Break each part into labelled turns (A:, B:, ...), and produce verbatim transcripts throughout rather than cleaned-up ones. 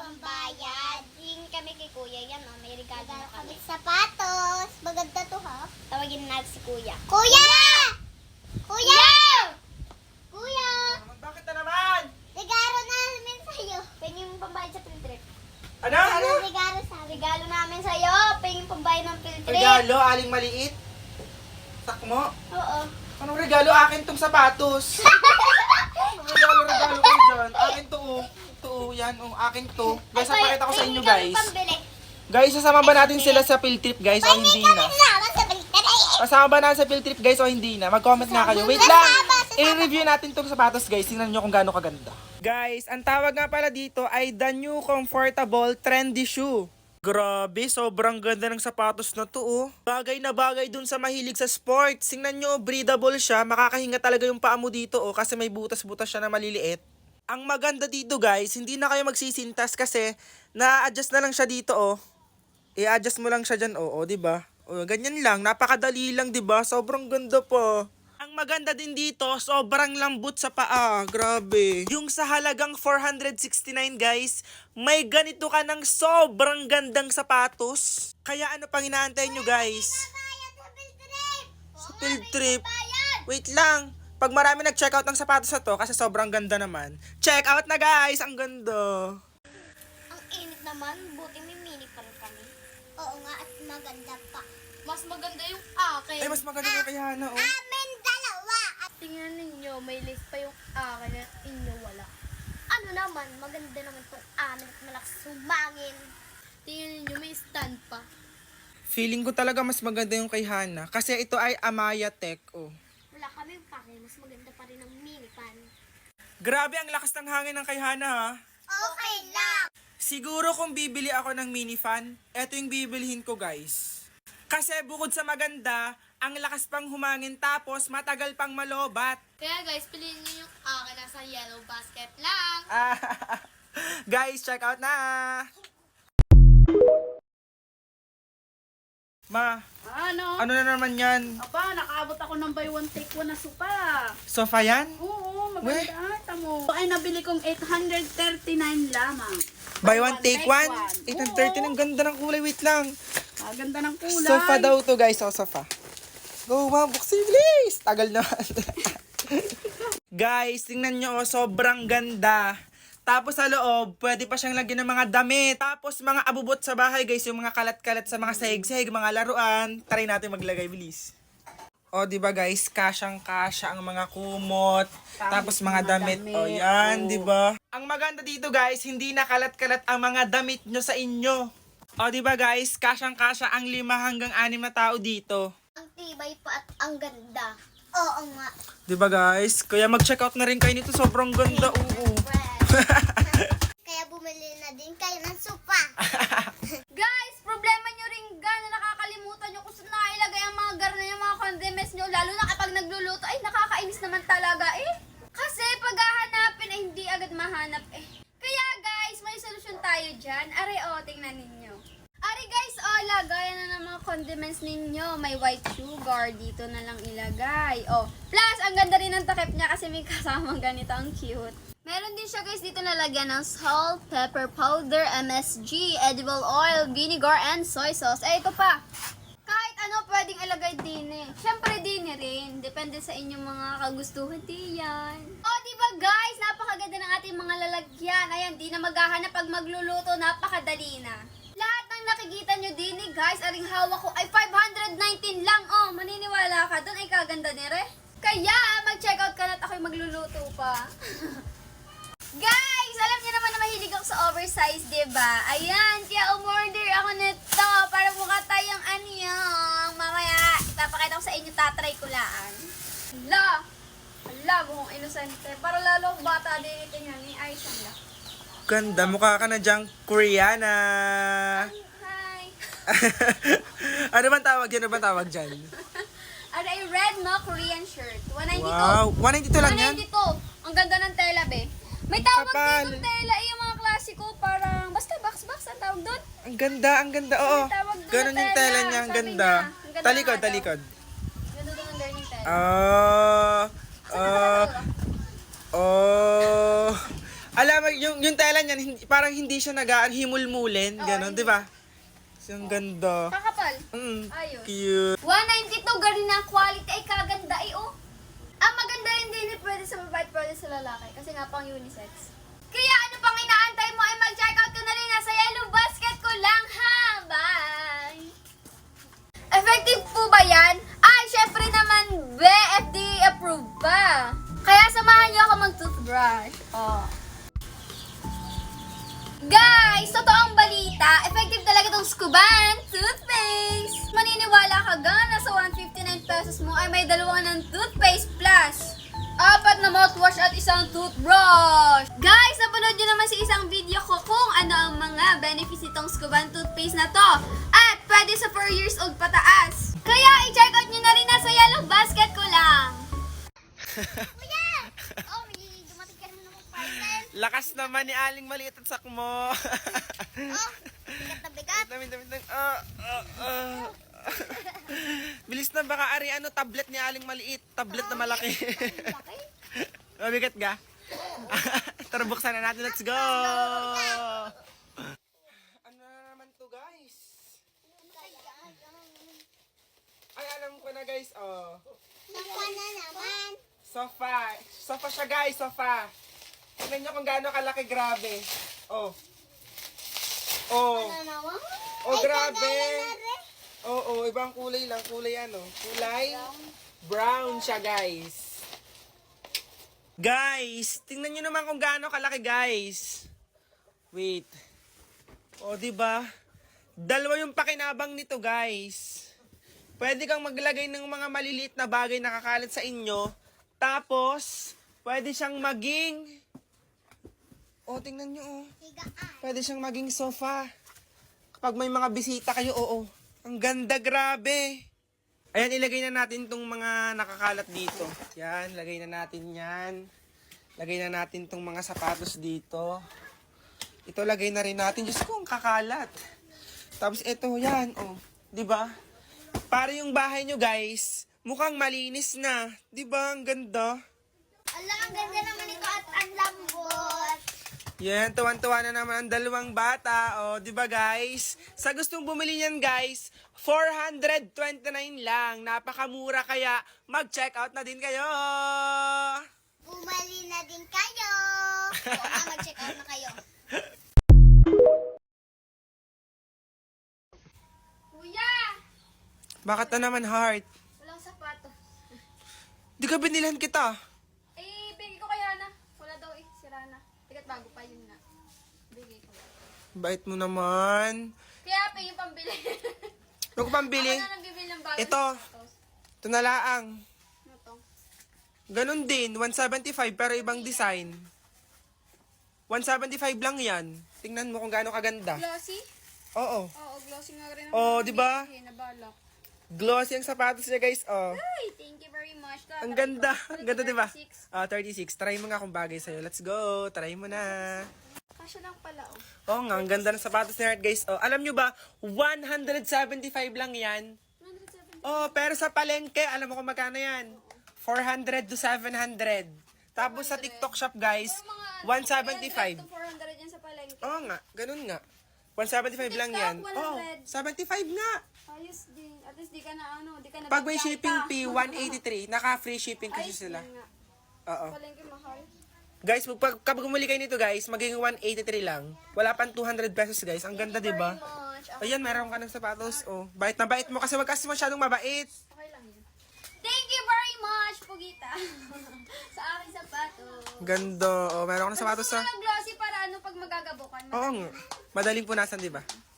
A: pambayad. Yung kami kay kuya, yan o, may regalo na kami.
B: Sapatos. Maganda to ha.
A: Tawagin natin si kuya.
B: Kuya! Kuya! Kuya!
C: Bakit na naman?
B: Regalo namin sa'yo.
A: Pengin yung pambayad sa field trip.
C: Ano? Ano?
B: Ano regalo sa'yo?
A: Regalo namin sa'yo, pengin pambayad ng field trip.
C: Regalo, aling maliit. Sakmo.
A: Oo.
C: Anong regalo? Akin tong sapatos. Anong regalo, regalo ko dyan? Akin to, oh. Ito, oh. Yan, oh. Akin to. Guys,
A: Ay,
C: papakita ko sa
A: pengin
C: inyo,
A: kami
C: guys.
A: pambili.
C: Guys, sasama ba natin sila sa field trip, guys, o hindi na?
B: Sama sa baliktad.
C: Kasama ba natin sa field trip, guys, o hindi na? Mag-comment nga kayo. Wait lang! I-review natin tong sapatos, guys. Tingnan nyo kung gaano kaganda. Guys, ang tawag nga pala dito ay the new comfortable trendy shoe. Grabe, sobrang ganda ng sapatos na to, oh. Bagay na bagay dun sa mahilig sa sports. Tingnan nyo, breathable siya. Makakahinga talaga yung paa mo dito, oh, kasi may butas-butas siya na maliliit. Ang maganda dito, guys, hindi na kayo magsisintas kasi na-adjust na lang siya dito, oh. I-adjust mo lang siya dyan, oo, oh, diba? O, ganyan lang, napakadali lang, diba? Sobrang ganda pa. Ang maganda din dito, sobrang lambot sa paa. Grabe. Yung sa halagang four hundred sixty-nine, guys, may ganito ka ng sobrang gandang sapatos. Kaya ano pang inaantay nyo, guys? Sa field trip. Wait lang. Pag marami nag-check out ng sapatos na to, kasi sobrang ganda naman. Check out na, guys! Ang ganda.
A: Ang init naman, buti may mini pa rin kami.
B: Oo nga at maganda pa.
A: Mas maganda yung akin.
C: Ay, mas maganda yung kay Hana, oh.
B: Amin dalawa. At
A: Tingnan ninyo, may list pa yung akin at inyo wala. Ano naman, maganda naman itong amin at malakas sumangin. Tingnan ninyo, may stand pa.
C: Feeling ko talaga mas maganda yung kay Hana. Kasi ito ay Amaya Tech, oh.
A: Wala kami pake, mas maganda pa rin ang mini pan.
C: Grabe, ang lakas ng hangin ng kay Hana, ha?
B: okay lang.
C: Siguro kung bibili ako ng mini fan, eto yung bibilihin ko, guys. Kasi bukod sa maganda, ang lakas pang humangin tapos matagal pang malobat.
A: Kaya guys, piliin niyo yung akin nasa yellow basket lang.
C: Ah, guys, check out na! Ma,
D: Ano?
C: ano na naman yan?
D: Aba, nakaabot ako ng buy one take one na supa.
C: Sofa yan?
D: Oo, maganda. Tamo. Ay, nabili kong eight hundred thirty-nine lamang.
C: Buy one, take one?
D: one.
C: eight hundred thirty, ang ganda ng kulay. Wait lang.
D: Ah, ganda ng kulay.
C: Sofa daw to, guys. O, sofa. Go, ma'am. Buksin, please. Tagal naman. Guys, tingnan nyo, oh, sobrang ganda. Tapos sa loob, pwede pa siyang lagyan ng mga damit. Tapos mga abubot sa bahay, guys. Yung mga kalat-kalat sa mga sahig-sahig, mga laruan. Try natin maglagay, bilis. O, di ba guys, kasyang-kasya ang mga kumot. Tapos mga,
D: mga
C: damit.
D: damit.
C: O, yan,
D: Oo.
C: di ba? Ang maganda dito, guys, hindi na kalat-kalat ang mga damit nyo sa inyo. O, di ba guys, kasyang-kasya ang lima hanggang anim na tao dito.
A: Ang tibay pa at ang ganda.
B: Oo nga.
C: Di ba guys? Kaya mag-check out na rin kayo nito. Sobrang ganda, oo.
B: Kaya bumili na din kayo ng supa.
A: Guys, problema nyo rin gana nakakalimutan nyo kung saan nailagay ang mga garna yung mga condiments nyo. Lalo na kapag nagluluto, ay nakakainis naman talaga eh. Kasi pag hahanapin ay hindi agad mahanap eh. Kaya guys, may solusyon tayo dyan. Are o, tingnan ninyo. Are guys, o, lagayan na ng mga condiments ninyo. May white sugar, dito na lang ilagay. O, plus, ang ganda rin ng takip niya kasi may kasamang ganito, ang cute. Meron din siya guys dito nalagyan ng salt, pepper powder, M S G, edible oil, vinegar, and soy sauce. Eh, ito pa. Kahit ano pwedeng ilagay din eh. Siyempre din rin. Depende sa inyong mga kagustuhan diyan. O, oh, diba guys? Napakaganda ng ating mga lalagyan. Ayan, di na maghahanap pag magluluto. Napakadali na. Lahat ng nakikita nyo din eh guys, aring hawak ko ay five hundred nineteen lang. Oh, maniniwala ka doon ay kaganda ni Re. Kaya, mag-check out ka na at ako'y magluluto pa. Guys, alam niyo naman na mahilig ako sa oversize, diba? Ayan, kaya umorder ako nito para mukha tayong anyong. Mamaya, ipapakita ko sa inyo, tatry ko laan. Hala! Hala, mukhang inosente. Para lalo akong bata din ito niya ni Aisha.
C: Ganda, mukha ka na dyang Koreana.
A: Hi!
C: Ano bang tawag dyan? Ano bang tawag dyan?
A: Ano ay red no Korean shirt. one ninety-two.
C: Wow, one ninety-two lang yan?
A: one ninety-two. Ang ganda ng tela, be. May tawag
C: Kapal.
A: dito tela, eh, yung mga klasiko, parang, basta box-box ang tawag doon.
C: Ang ganda, ang ganda, oo.
A: May tawag doon
C: Ganon
A: na
C: yung
A: tela,
C: tela niya, ang
A: sabi
C: ganda.
A: niya. Ang ganda
C: Talikod,
A: nga daw.
C: talikod.
A: Ganda doon ang learning tela.
C: Ah, ah, oh, Alam mo, yung, yung tela niyan, hindi, parang hindi siya nag-himulmulin.
A: Oo,
C: Ganon,
A: hindi.
C: di ba? So, ang ganda.
A: Kakapal.
C: Mm,
A: Ayos.
C: cute.
A: one ninety-two, galing na ang quality. Ay, kaganda eh, oh. Ang maganda rin din eh, pwede sa babae, pwede sa lalaki. Kasi nga pang unisex. Kaya ano pang inaantay mo ay mag-check out ka na rin. Nasa yellow basket ko lang, ha? Bye! Effective po ba yan? Ay, syempre naman, be, F D A approved ba? Kaya samahan niyo ako mag-toothbrush. Oh. Guys, totoong balita, effective talaga itong Scuban toothpaste. Maniniwala ka ga na sa one hundred fifty-nine pesos mo ay may dalawa ng toothpaste plus apat na mouthwash at isang toothbrush. Guys, napanood nyo naman sa isang video ko kung ano ang mga benefits nitong Scuban toothpaste na to. At pwede sa four years old pataas. Kaya i-check out nyo na rin nasa yellow basket ko lang.
B: Kuya! Oh, may dumating ka na ng parcel.
C: Lakas naman ni Aling Maliit at sakmo.
B: Oh, bigat na bigat.
C: Dami, dami, dami. Ah, ah, ah. Bilis na, baka ari ano, tablet ni Aling Maliit. Tablet na malaki.
A: Laki.
C: Mabigat ga? Tara, buksan na natin. Let's go! Ano na naman to, guys? Ay, alam ko na, guys. Oh.
B: Saka na naman.
C: Sofa. Sofa siya, guys. Sofa. Tignan nyo kung gaano kalaki. Grabe. Oh. Oh.
B: Ano naman?
C: Oh,
B: Ay,
C: grabe.
B: kagaya na rin.
C: Oo, oh, oh, ibang kulay lang. Kulay ano? Kulay brown siya, guys. Guys, tingnan nyo naman kung gaano kalaki, guys. Wait. O, oh, di ba? Dalawa yung pakinabang nito, guys. Pwede kang maglagay ng mga maliliit na bagay na kakalat sa inyo. Tapos, pwede siyang maging... O, oh, tingnan nyo, oh.
B: Higaan.
C: Pwede siyang maging sofa. Kapag may mga bisita kayo, oo. Ang ganda, grabe. Ayan, ilagay na natin tong mga nakakalat dito. Yan, lagay na natin yan. Lagay na natin tong mga sapatos dito. Ito, lagay na rin natin. Diyos ko, ang kakalat. Tapos ito, yan, oh. Diba? Para yung bahay nyo, guys, mukhang malinis na. Diba? Ang ganda.
B: Ala, ang ganda naman ito at ang lambot.
C: Yan, tuwan-tuwa na naman ang dalawang bata. O, di ba guys? Sa gustong bumili niyan guys, four hundred twenty-nine lang. Napakamura kaya mag-check out na din kayo.
B: Bumali na din kayo. Oo nga, mag-check out na kayo.
A: Kuya!
C: Bakit na naman heart?
A: Walang sapatos.
C: Di ka binilan kita.
A: Eh, bigay ko kaya na. Wala daw eh, sira na. Tigat bago pa yun na. Bigay ko.
C: Bait mo naman.
A: Kaya pa yung pambili.
C: Huwag ko pambili.
A: Ako na nang bibili ng bago.
C: Ito. Ito na laang.
A: Ano to?
C: Ganon din, one seventy-five pero ibang design. one seventy-five lang yan. Tingnan mo kung gaano kaganda.
A: Glossy?
C: Oo.
A: Oo, glossy nga rin.
C: Oh, di ba?
A: Nabalak.
C: Glossy ang sapatos niya guys. Oh.
A: Ay, thank you very much.
C: Ang ganda. Ang ganda, di ba?
A: thirty-six.
C: Ah, thirty-six. Try mo nga kung bagay sa'yo. Let's go. Try mo na.
A: Kasya lang pala, oh.
C: Oo nga, ang ganda ng sapatos ni Heart, guys. Oh, alam nyo ba, one seventy-five lang yan.
A: one hundred seventy.
C: Oh, pero sa palengke, alam mo kung magkano yan? four hundred to seven hundred. Tapos sa TikTok shop, guys, one seventy-five.
A: three hundred to four hundred yan sa palengke.
C: Oo nga, ganun nga. one seventy-five lang yan.
A: TikTok,
C: Oh,
A: one hundred.
C: seventy-five nga.
A: Ayos din. At least di ka na, ano, di ka na
C: Pag may
A: bigyan
C: shipping
A: ka.
C: fee, one eighty-three. Naka-free shipping kasi
A: Ayos
C: sila.
A: din nga.
C: Oo.
A: Palengke mahal.
C: Guys, pag, kapag bumili kayo nito, guys, magiging one eighty-three lang. Wala pang two hundred pesos, guys. Ang ganda, di ba?
A: Much. Okay,
C: Ayan, meron ka ng sapatos. Oh, bait na bait mo kasi wag kasi masyadong mabait.
A: okay lang yun. Thank you very much, Pugita. sa aking sapatos.
C: Ganda. Oh, meron ka ng sapatos
A: Gusto
C: sa...
A: ko ng glossy para ano pag magagabukan.
C: Oo nga. Madaling punasan, di ba?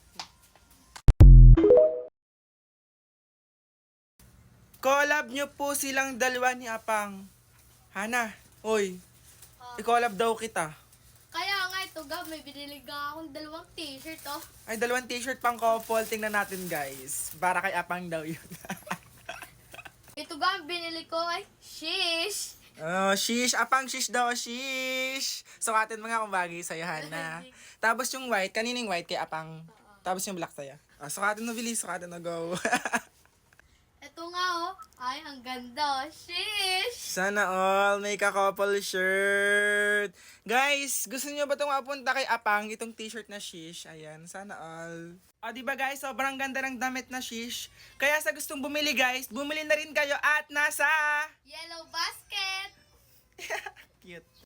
C: Collab nyo po silang dalawa ni Apang. Hana, oy. I-collab daw kita.
A: Kaya nga ito, Gab, may binili ka akong dalawang t-shirt, oh.
C: Ay, dalawang t-shirt pang couple. Tingnan natin, guys. Para kay Apang daw yun.
A: Ito, Gab, binili ko ay shish.
C: Oh, shish. Apang shish daw, shish. Sukatin mo nga kung bagay sa'yo, Hana. Tapos yung white, kanining white kay Apang. Tapos yung black sa'yo. Ah, sukatin mo, bilis. Sukatin mo, go.
A: Ito nga oh. Ay, ang ganda. Shish!
C: Sana all may ka-couple shirt. Guys, gusto niyo ba itong mapunta kay Apang, itong t-shirt na shish? Ayan, sana all. O, di ba guys, sobrang ganda ng damit na shish. Kaya sa gustong bumili guys, bumili na rin kayo at nasa...
A: Yellow basket!
C: Cute.